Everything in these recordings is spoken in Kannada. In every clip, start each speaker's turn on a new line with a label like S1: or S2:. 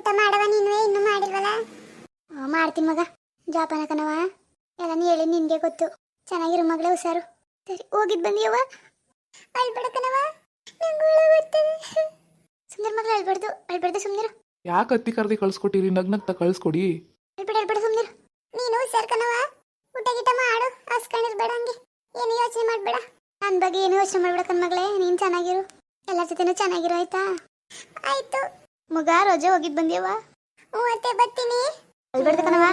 S1: ಊಟ ಮಾಡವ ನೀನು ಇನ್ನೂ ಮಾಡಿಲ್ವಲ್ಲ? ಮಾಡ್ತೀನಿ ಮಗ. ಜಾಪಾನ ಕಣವ, ಎಲ್ಲಾನು ಹೇಳಿ ನಿನ್ಗೆ ಗೊತ್ತು. ಚೆನ್ನಾಗಿರು ಮಗಳೇ, ಹುಷಾರು. ಸರಿ ಹೋಗಿದ್ ಬಂದಿಯವ? ಅಳ್ಬೇಡ ಕಣವ, ನಂಗೆ ಬರ್ತದೆ. ಸುಮ್ನಿರು ಮಗಳು, ಅಳ್ಬಾರ್ದು ಸುಮ್ನಿರು.
S2: ಯಾಕೆ ಅತ್ತಿ ಕರ್ದಿ ಕಳ್ಸ್ಕೊಟ್ಟಿರಿ? ನಗ್ನಗ್ತಾ ಕಳ್ಸ್ಕೊಡಿ.
S1: ಅಳ್ಬೇಡ ಸುಮ್ನಿರು. ನೀನು ಹುಷಾರ್ ಕಣವ, ಊಟ ಗೀಟ ಮಾಡು, ಹಸ್ಕೊಂಡಿರ್ಬೇಡ. ಹಂಗೆ ಏನು ಯೋಚನೆ ಮಾಡ್ಬೇಡ. ನನ್ನ ಬಗ್ಗೆ ಏನು ಯೋಚನೆ ಮಾಡ್ಬೇಡ ಕಣ್ಮಗಳೇ. ನೀನು ಚೆನ್ನಾಗಿರು, ಎಲ್ಲರ ಜೊತೆನೂ ಚೆನ್ನಾಗಿರು, ಆಯ್ತಾ? ಆಯ್ತು ಮಗ. ರೋಜೆ ಹೋಗಿದ್ ಬಂದಿಯವ? ಮತ್ತೆ ಬರ್ತೀನಿ. ಅಳ್ಬೇಡ್ದು ಕಣವ,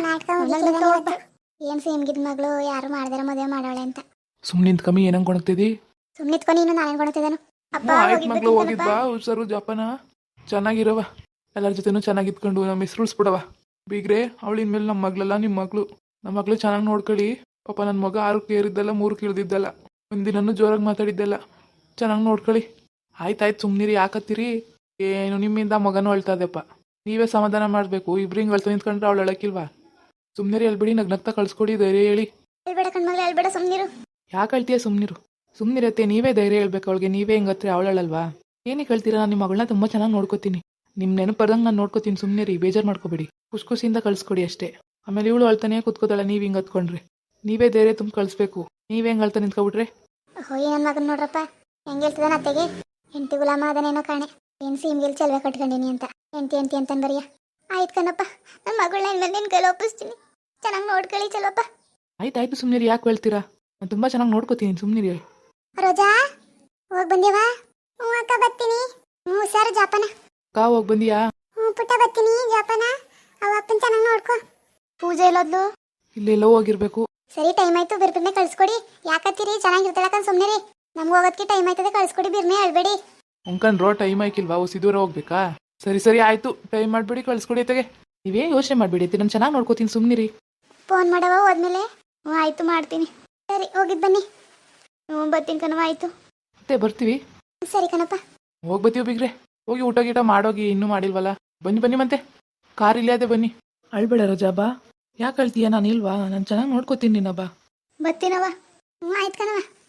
S1: ಏನ್ ಸೇಮ್ಗಿದ್ ಮಗಳು, ಯಾರು ಮಾಡ್ದಾರ ಮದುವೆ ಮಾಡವಳೆ ಅಂತ.
S2: ಸುಮ್ನಿಂದ ಕಮ್ಮಿ ಏನಂಗ್ ಕೊಣಗ್ತಿದಿ?
S1: ಸುಮ್ನಿತ್ಕೊ ನೀನು, ನಾನೇನ್ ಕೊಡ್ತಿದ್ದಾನು. ಅಪ್ಪ
S2: ಆಯ್ತು ಮಗಳು, ಹೋಗಿದ್ ಬಾ ಹುಷಾರು. ಜಾಪಾನ ಚೆನ್ನಾಗಿರವ, ಎಲ್ಲರ ಜೊತೆನೂ ಚೆನ್ನಾಗಿದ್ಕೊಂಡು ನಮ್ಮ ಹೆಸರು ಉಳಿಸ್ಬಿಡವ. ಬೀಗ್ರೆ, ಅವಳಿನ ಮೇಲೆ ನಮ್ಮ ಮಗಳಲ್ಲ, ನಿಮ್ಮ ಮಗಳು. ನಮ್ಮ ಮಗಳು ಚೆನ್ನಾಗಿ ನೋಡ್ಕೊಳ್ಳಿ. ಪಾಪ ನನ್ನ ಮಗ 6ಕ್ಕೆ ಏರಿದ್ದಲ್ಲ, 3ಕ್ಕೆ ಇಳಿದಿದ್ದಲ್ಲ. ಒಂದಿನೂ ಜೋರಾಗಿ ಮಾತಾಡಿದ್ದಲ್ಲ. ಚೆನ್ನಾಗಿ ನೋಡ್ಕೊಳ್ಳಿ. ಆಯ್ತಾಯ್ತು ಸುಮ್ನಿರಿ, ಯಾಕತ್ತೀರಿ? ಏನು ನಿಮ್ಮಿಂದ ಮಗನೂ ಅಳ್ತಾದೆಪ್ಪ. ನೀವೇ ಸಮಾಧಾನ ಮಾಡಬೇಕು. ಇಬ್ರಿಂಗ್ ಅಳ್ತಾ ನಿಂತ್ಕೊಂಡ್ರೆ ಅವಳು ಅಳಕ್ಕಿಲ್ವಾ? ಸುಮ್ನಿರಿ, ಅಲ್ಬಿಡಿ, ನಗ್ನಗ್ತಾ ಕಳ್ಸ್ಕೊಡಿ, ಧೈರ್ಯ ಹೇಳಿ.
S1: ಅಳ್ಬೇಡ ಕಣ್ಮಗಳೇ, ಅಳ್ಬೇಡ, ಸುಮ್ನಿರು.
S2: ಯಾಕೆ ಅಳ್ತೀಯ? ಸುಮ್ನಿರು. ಸುಮ್ನಿರತ್ತೆ, ನೀವೇ ಧೈರ್ಯ ಹೇಳ್ಬೇಕು ಅವಳಿಗೆ. ನೀವೇ ಹಿಂಗತ್ರಿ ಅವಳಲ್ವಾ? ಏನಕ್ಕೆ ಹೇಳ್ತೀರಾ? ನಾನು ನಿಮ್ಮ ಮಗಳನ್ನ ತುಂಬ ಚೆನ್ನಾಗಿ ನೋಡ್ಕೋತೀನಿ. ನಿಮ್ಮ ನೆನಪರ್ದಂಗೆ ನಾನು ನೋಡ್ಕೋತೀನಿ. ಸುಮ್ನಿರಿ, ಬೇಜಾರು ಮಾಡ್ಕೋಬೇಡಿ. ಖುಷಿಯಿಂದ ಕಳ್ಸ್ಕೊಡಿ ಅಷ್ಟೇ. ಆಮೇಲೆ ಇವಳು ಅಳ್ತಾನೆ ಕೂತ್ಕೋತಾಳೆ, ನೀವು ಹಿಂಗೆ ಹತ್ಕೊಂಡ್ರಿ. ನೀವೇ ಧೈರ್ಯ ತುಂಬ ಕಳಿಸ್ಬೇಕು. ನೀವೇ ಹೆಂಗೆ ಅಳ್ತಾ ನಿಂತ್ಕೊಬಿಟ್ರೆ?
S1: ಹೋಯ್ ನನ್ನ ಮಗನ ನೋಡ್ರಪ್ಪ, ಹೆಂಗೆ ಹೇಳ್ತದಾನ ಅತ್ತೆಗೆ. ಹೆಂಡತಿ ಗುಲಾಮ ಅದನೇನೋ ಕಾಣೆ. ಏನು ಸೀಮ್ಗೆಲ್ ಚಲ್ವೆ ಕಟ್ಕೊಂಡಿನಿ ಅಂತ ಎಂಟಿ ಅಂತಂದು ಬರಿಯ. ಆಯ್ತು ಕಣಪ್ಪ, ನನ್ನ ಮಗಳನ್ನ ನಿನ್ನ ಕೈಲಿ ಒಪ್ಪಿಸ್ತೀನಿ. ಚೆನ್ನಾಗಿ ನೋಡ್ಕೊಳ್ಳಿ ಚಲೋಪ್ಪ.
S2: ಆಯ್ತಾಯ್ತು ಸುಮ್ನಿರಿ, ಯಾಕೆ ಹೇಳ್ತೀರಾ? ನಾನು ತುಂಬ ಚೆನ್ನಾಗಿ ನೋಡ್ಕೋತೀನಿ, ಸುಮ್ನಿರಿ.
S1: ರೋಜಾ, ಹೋಗಿ ಬಂದೇವಾ? ಹ್ಞೂ ಅಕ್ಕ, ಬರ್ತೀನಿ. ಹ್ಞೂ ಸರ್, ಜಾಪನ.
S2: ಅಕ್ಕ, ಹೋಗಿ ಬಂದಿಯಾ?
S1: ಹ್ಞೂ ಪುಟ್ಟ, ಬರ್ತೀನಿ. ಜಾಪನ, ಅವ ಅಪ್ಪನ ಚೆನ್ನಾಗಿ ನೋಡ್ಕೊ. ಪೂಜೆ ಎಲ್ಲೋದ್ಲು?
S2: ಇಲ್ಲೆಲ್ಲೋ ಹೋಗಿರ್ಬೇಕು.
S1: ಸರಿ, ಟೈಮ್ ಆಯ್ತು, ಬಿರ್ಬಿರ್ನೆ ಕಳ್ಸ್ಕೊಡಿ. ಯಾಕತ್ತೀರಿ? ಚೆನ್ನಾಗಿರ್ತಾಳಕ್ಕ, ಸುಮ್ಮನಿರಿ. ನಮ್ಗೆ ಹೋಗೋದಕ್ಕೆ ಟೈಮ್ ಆಯ್ತದೆ, ಕಳ್ಸ್ಕೊಡಿ, ಬಿರ್ನೆ ಅಳ್ಬೇಡಿ.
S2: ಅಂಕನ್ರೋ, ಟೈಮ್ ಆಯ್ಕಿಲ್ವಾ? ಸಿದೂರ ಹೋಗ್ಬೇಕಾ? ಸರಿ ಆಯ್ತು, ಟೈಮ್ ಮಾಡಬೇಡಿ, ಕಳ್ಸ್ಕೊಡಿ ತೆಗೆ. ನೀವೇ ಯೋಚನೆ ಮಾಡಬೇಡಿ, ನಾನು ಚೆನ್ನಾಗಿ ನೋಡ್ಕೋತೀನಿ, ಸುಮ್ನಿರಿ.
S1: ಫೋನ್ ಮಾಡವ ಹೋದ್ಮೇಲೆ? ಹ್ಞೂ ಆಯ್ತು, ಮಾಡ್ತೀನಿ. ಸರಿ, ಹೋಗಿದ್ ಬನ್ನಿ. ಹ್ಞೂ ಬರ್ತೀನಿ ಕಣವ, ಆಯ್ತು.
S2: ಮತ್ತೆ ಬರ್ತೀವಿ.
S1: ಸರಿ ಕಣಪ್ಪ.
S2: ಹೋಗಿ ಬರ್ತೀವಿ ಬಿಗ್ರೆ. ಹೋಗಿ ಊಟ ಗೀಟ ಮಾಡೋಗಿ, ಇನ್ನೂ ಮಾಡಿಲ್ವಲ್ಲ. ಬನ್ನಿ ಮತ್ತೆ, ಕಾರ್ ಇಲ್ಲೇ ಅದೇ, ಬನ್ನಿ. ಅಳ್ಬೇಡ ರೋಜಾ, ಬಾ. ಯಾಕೆ ಅಳ್ತೀಯ? ನಾನು ಇಲ್ವಾ? ನಾನು ಚೆನ್ನಾಗಿ ನೋಡ್ಕೋತೀನಿ ನಿನ್ನ, ಬಾ.
S1: ಬರ್ತೀನವ. ಹ್ಞೂ ಆಯ್ತು ಕಣವ.